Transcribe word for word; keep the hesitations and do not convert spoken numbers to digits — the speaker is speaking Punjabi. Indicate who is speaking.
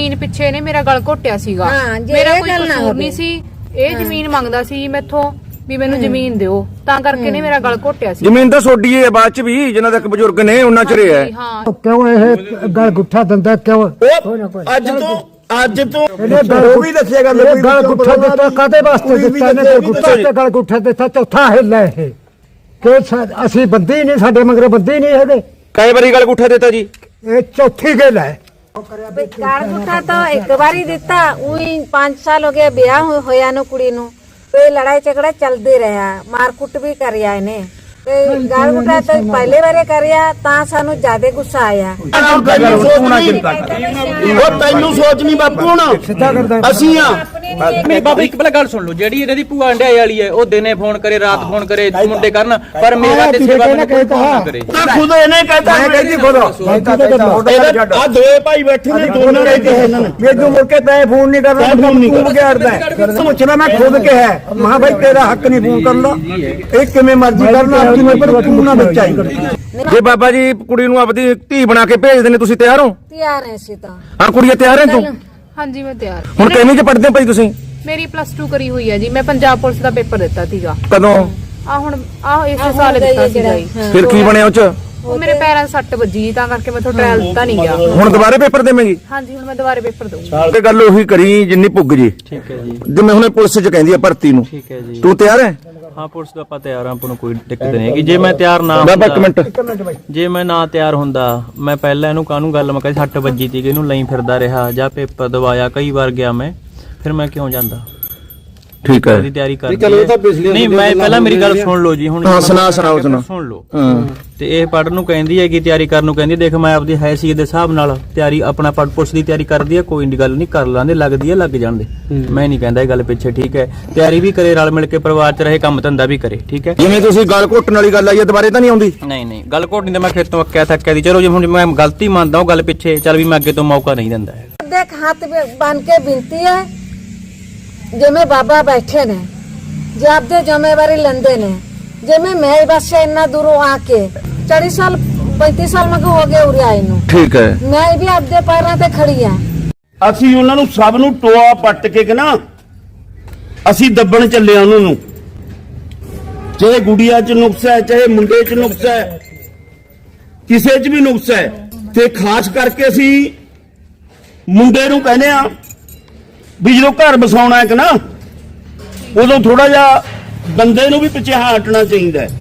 Speaker 1: ਜ਼ਮੀਨ ਪਿੱਛੇ ਨੇ ਮੇਰਾ ਗਲ ਘੋਟਿਆ ਸੀਗਾ। ਮੇਰਾ ਕੋਈ ਕਸੂਰ ਨਹੀਂ ਸੀ, ਇਹ ਜ਼ਮੀਨ ਮੰਗਦਾ ਸੀ ਮੈਥੋਂ ਵੀ ਮੈਨੂੰ ਜ਼ਮੀਨ ਦਿਓ, ਤਾਂ ਕਰਕੇ ਨੇ ਮੇਰਾ ਗਲ ਘੋਟਿਆ ਸੀ।
Speaker 2: ਜ਼ਮੀਨ ਤਾਂ ਛੋਡੀ ਹੈ ਬਾਅਦ ਚ ਵੀ, ਜਿਨ੍ਹਾਂ ਤੱਕ ਬਜ਼ੁਰਗ ਨੇ ਉਹਨਾਂ ਚ ਰਿਹਾ।
Speaker 3: ਕਿਉਂ ਇਹ ਗਲ ਗੁੱਠਾ ਦਿੰਦਾ ਕਿਉਂ?
Speaker 4: ਅੱਜ ਤੋਂ ਅੱਜ ਤੋਂ
Speaker 3: ਉਹ ਵੀ ਦੱਸੇਗਾ ਗਲ ਗੁੱਠਾ ਦਿੱਤਾ ਕਾਦੇ ਵਾਸਤੇ ਦਿੱਤਾ ਇਹਨੇ? ਗੁੱਠਾ ਤੇ ਗਲ ਗੁੱਠਾ ਦਿੱਤਾ, ਚੌਥਾ ਹਿੱਲਾ ਇਹ ਕਿ ਅਸੀਂ ਬੰਦੇ ਨਹੀਂ, ਸਾਡੇ ਮਗਰ ਬੰਦੇ ਨਹੀਂ ਹੈਗੇ।
Speaker 2: ਕਈ ਵਾਰੀ ਗਲ ਗੁੱਠਾ ਦਿੱਤਾ ਜੀ?
Speaker 3: ਇਹ ਚੌਥੀ ਗੱਲ ਹੈ।
Speaker 5: ਗਲ ਗੁੱਠਾ ਤਾਂ ਇੱਕ ਵਾਰੀ ਦਿੱਤਾ, ਉਹੀ ਪੰਜ ਸਾਲ ਹੋ ਗਏ ਵਿਆਹ ਹੋਇਆ ਨੂੰ ਕੁੜੀ ਨੂੰ, ਤੇ ਲੜਾਈ ਝਗੜਾ ਚੱਲਦੇ ਰਿਹਾ, ਮਾਰ ਕੁੱਟ ਵੀ ਕਰਿਆ ਇਹਨੇ। ਤੇ ਗਲ ਗੁੱਠਾ ਤਾਂ ਪਹਿਲੇ ਵਾਰੇ ਕਰਿਆ ਤਾਂ ਸਾਨੂੰ ਜ਼ਿਆਦਾ ਗੁੱਸਾ ਆਇਆ।
Speaker 4: ਉਹ ਤੈਨੂੰ ਸੋਚ ਨਹੀਂ ਬਾਪੂ, ਹੁਣ ਅਸੀਂ ਆ
Speaker 6: ਨਹੀਂ ਬਾਬਾ ਇੱਕ ਪਹਿਲਾਂ ਗੱਲ ਸੁਣ ਲਓ, ਜਿਹੜੀ ਇਹਨਾਂ ਦੀ ਭੂਆ ਅੰਡਿਆਈ ਵਾਲੀ ਹੈ ਉਹ ਦਿਨੇ ਫੋਨ ਕਰੇ ਰਾਤ ਫੋਨ ਕਰੇ ਮੁੰਡੇ ਕਰਨ, ਪਰ ਮੇਰਾ ਤੇ ਸੇਵਾ ਮੈਨੂੰ ਕੋਈ ਫੋਨ ਨਾ ਕਰੇ।
Speaker 4: ਖੁਦ ਇਹਨੇ ਕਹਿਤਾ, ਮੈਂ ਕਹਿੰਦੀ ਖੁਦ ਆ ਦੋਏ ਭਾਈ ਬੈਠੇ ਨੇ, ਦੋਨਾਂ ਨੇ ਕਿਹਾ ਇਹਨਾਂ ਨੇ
Speaker 3: ਮੈਨੂੰ ਮੁੜ ਕੇ ਤੈਂ ਫੋਨ ਨਹੀਂ ਕਰਨਾ,
Speaker 4: ਫੋਨ ਨਹੀਂ
Speaker 3: ਤੂੰ ਵਿਗਾੜਦਾ। ਸੋਚਣਾ ਮੈਂ ਖੁਦ ਕਿਹਾ, ਮਹਾ ਭਾਈ ਤੇਰਾ ਹੱਕ ਨਹੀਂ ਫੋਨ ਕਰਨ ਦਾ, ਇਹ ਕਿਵੇਂ ਮਰਜ਼ੀ ਕਰਨਾ, ਜਿਵੇਂ ਪਰ ਤੂੰ ਨਾ ਬੱਚਾ ਹੀ।
Speaker 2: ਜੇ ਬਾਬਾ ਜੀ ਕੁੜੀ ਨੂੰ ਆਪਦੀ ਧੀ ਬਣਾ ਕੇ ਭੇਜਦੇ ਨੇ, ਤੁਸੀਂ ਤਿਆਰ ਹੋ?
Speaker 5: ਤਿਆਰ ਐ ਸੀ ਤਾਂ।
Speaker 2: ਹਾਂ ਕੁੜੀਏ ਤਿਆਰ ਹੈ ਤੂੰ?
Speaker 1: ਹਾਂਜੀ ਮੈਂ ਤਿਆਰ।
Speaker 2: ਹੁਣ ਕਿੰਨੀ ਚ ਪੜਦੇ ਭਾਈ ਤੁਸੀਂ?
Speaker 1: ਮੇਰੀ ਪਲੱਸ ਟੂ ਕਰੀ ਹੋਈ ਹੈ ਜੀ, ਮੈਂ ਪੰਜਾਬ ਪੁਲਿਸ ਦਾ ਪੇਪਰ ਦਿੱਤਾ ਸੀਗਾ।
Speaker 2: ਕਦੋਂ?
Speaker 1: ਆ ਹੁਣ ਆ ਇਸੇ ਸਾਲ ਦਿੱਤਾ ਸੀਗਾ ਜੀ।
Speaker 2: ਫਿਰ ਕੀ ਬਣਿਆ ਉਹ ਚ?
Speaker 1: ਉਹ ਮੇਰੇ ਪੈਰਾਂ 'ਚ ਸੱਟ ਵੱਜੀ, ਤਾਂ ਕਰਕੇ ਮੈਂ ਤੁਹਾਡਾ ਟ੍ਰਾਇਲ ਦਿੱਤਾ ਨਹੀਂ ਗਿਆ।
Speaker 2: ਹੁਣ ਦੁਬਾਰੇ ਪੇਪਰ ਦੇਵੇਂਗੀ?
Speaker 1: ਹਾਂਜੀ ਹੁਣ ਮੈਂ ਦੁਬਾਰੇ ਪੇਪਰ ਦਊਂਗੀ।
Speaker 2: ਤੇ ਗੱਲ ਉਹੀ ਕਰੀ ਜਿੰਨੀ ਪੁੱਗ ਜੀ।
Speaker 6: ਠੀਕ ਹੈ ਜੀ।
Speaker 2: ਜਿਵੇਂ ਹੁਣ ਪੁਲਿਸ ਚ ਕਹਿੰਦੀ ਆ ਭਰਤੀ ਨੂੰ,
Speaker 6: ਠੀਕ ਹੈ ਜੀ।
Speaker 2: ਤੂੰ ਤਿਆਰ ਹੈ?
Speaker 6: ਹਾਂ ਪੁਲਿਸ ਦਾ ਆਪਾਂ ਤਿਆਰ ਆ, ਆਪਾਂ ਨੂੰ ਕੋਈ ਦਿੱਕਤ ਨਹੀਂ ਹੈਗੀ। ਜੇ ਮੈਂ ਤਿਆਰ ਨਾ
Speaker 2: ਬਾਬਾ ਇੱਕ ਮਿੰਟ,
Speaker 6: ਜੇ ਮੈਂ ਨਾ ਤਿਆਰ ਹੁੰਦਾ, ਮੈਂ ਪਹਿਲਾਂ ਇਹਨੂੰ ਕਾਹਨੂੰ ਗੱਲ ਮੈਂ ਕਹੀ ਸੱਟ ਵੱਜੀ ਤੀ, ਇਹਨੂੰ ਲਈ ਫਿਰਦਾ ਰਿਹਾ ਜਾਂ ਪੇਪਰ ਦਵਾਇਆ, ਕਈ ਵਾਰ ਗਿਆ ਮੈਂ, ਫਿਰ ਮੈਂ ਕਿਉਂ ਜਾਂਦਾ?
Speaker 2: ਠੀਕ ਹੈ
Speaker 6: ਦੀ ਤਿਆਰੀ ਕਰ ਨਹੀਂ, ਮੈਂ ਪਹਿਲਾਂ ਮੇਰੀ ਗੱਲ ਸੁਣ ਲਓ ਜੀ। ਹੁਣ
Speaker 2: ਹਾਂ ਸੁਣਾ ਸੁਣਾਓ ਸੁਣਾ
Speaker 6: ਸੁਣ ਲਓ। ਤੇ ਇਹ ਪੜ੍ਹਨ ਨੂੰ ਕਹਿੰਦੀ ਹੈ ਕਿ ਤਿਆਰੀ ਕਰਨ ਨੂੰ ਕਹਿੰਦੀ, ਦੇਖ ਮੈਂ ਆਪਦੀ ਹੈਸੀਅਤ ਦੇ ਹਿਸਾਬ ਨਾਲ ਤਿਆਰੀ ਆਪਣਾ ਪੜ੍ਹ ਪੁਲਿਸ ਦੀ ਤਿਆਰੀ ਕਰਦੀ ਹੈ, ਕੋਈ ਨਹੀਂ ਗੱਲ ਨਹੀਂ, ਕਰ ਲਾਂਦੇ, ਲੱਗਦੀ ਹੈ ਲੱਗ ਜਾਂਦੇ, ਮੈਂ ਨਹੀਂ ਕਹਿੰਦਾ ਇਹ ਗੱਲ ਪਿੱਛੇ। ਠੀਕ ਹੈ ਤਿਆਰੀ ਵੀ ਕਰੇ, ਰਲ ਮਿਲ ਕੇ ਪਰਿਵਾਰ ਚ ਰਹੇ, ਕੰਮ ਧੰਦਾ ਵੀ ਕਰੇ। ਠੀਕ ਹੈ
Speaker 2: ਜਿਵੇਂ ਤੁਸੀਂ ਗੱਲ ਘੋਟਣ ਵਾਲੀ ਗੱਲ ਆਈ ਹੈ, ਦੁਬਾਰੇ ਤਾਂ ਨਹੀਂ ਆਉਂਦੀ?
Speaker 6: ਨਹੀਂ ਨਹੀਂ ਗੱਲ ਘੋਟਣੀ ਤਾਂ ਮੈਂ ਖੇਤ ਤੋਂ ਅੱਕਿਆ ਥੱਕਿਆ ਦੀ। ਚਲੋ ਜੇ ਹੁਣ ਮੈਂ ਗਲਤੀ ਮੰਨਦਾ ਉਹ ਗੱਲ ਪਿੱਛੇ, ਚੱਲ ਵੀ ਮੈਂ ਅੱਗੇ ਤੋਂ ਮੌਕਾ ਨਹੀਂ ਦਿੰਦਾ ਹੈ।
Speaker 5: ਦੇਖ ਹੱਥ ਬਨ ਕੇ ਬਿਨਤੀ ਹੈ, ਜਿਵੇਂ ਬਾਬਾ ਬੈਠੇ ਨੇ, ਜੇ ਆਪਦੇ ਜ਼ਿੰਮੇਵਾਰੀ ਲੈਂਦੇ ਨੇ, ਜਿਵੇਂ ਮੈਂ ਬਸ ਇੰਨਾ ਦੂਰੋਂ ਆ ਕੇ ਚਾਲੀ ਸਾਲ ਪੈਂਤੀ ਸਾਲ ਮਗ ਹੋ ਗਏ ਉਰੇ ਆਏ ਨੂੰ।
Speaker 2: ਠੀਕ ਹੈ
Speaker 5: ਮੈਂ ਵੀ ਆਪਦੇ ਪੈਰਾਂ ਤੇ ਖੜੀ ਆ।
Speaker 4: ਅਸੀਂ ਉਹਨਾਂ ਨੂੰ ਸਭ ਨੂੰ ਟੋਆ ਪੱਟ ਕੇ ਕਿ ਨਾ ਅਸੀਂ ਦੱਬਣ ਚੱਲੇ ਉਹਨਾਂ ਨੂੰ, ਚਾਹੇ ਗੁੜੀਆ ਚ ਨੁਕਸ ਹੈ, ਚਾਹੇ ਮੁੰਡੇ ਚ ਨੁਕਸ ਹੈ, ਕਿਸੇ ਚ ਵੀ ਨੁਕਸ ਹੈ। ਤੇ ਖਾਸ ਕਰਕੇ ਅਸੀਂ ਮੁੰਡੇ ਨੂੰ ਕਹਿੰਦੇ ਆ ਵੀ ਜਦੋਂ ਘਰ ਬਸਾਉਣਾ ਹੈ ਕਿ ਨਾ, ਉਦੋਂ ਥੋੜਾ ਜਿਹਾ ਬੰਦੇ ਨੂੰ ਵੀ ਪਿੱਛੇ ਹਟਣਾ ਚਾਹੀਦਾ ਹੈ।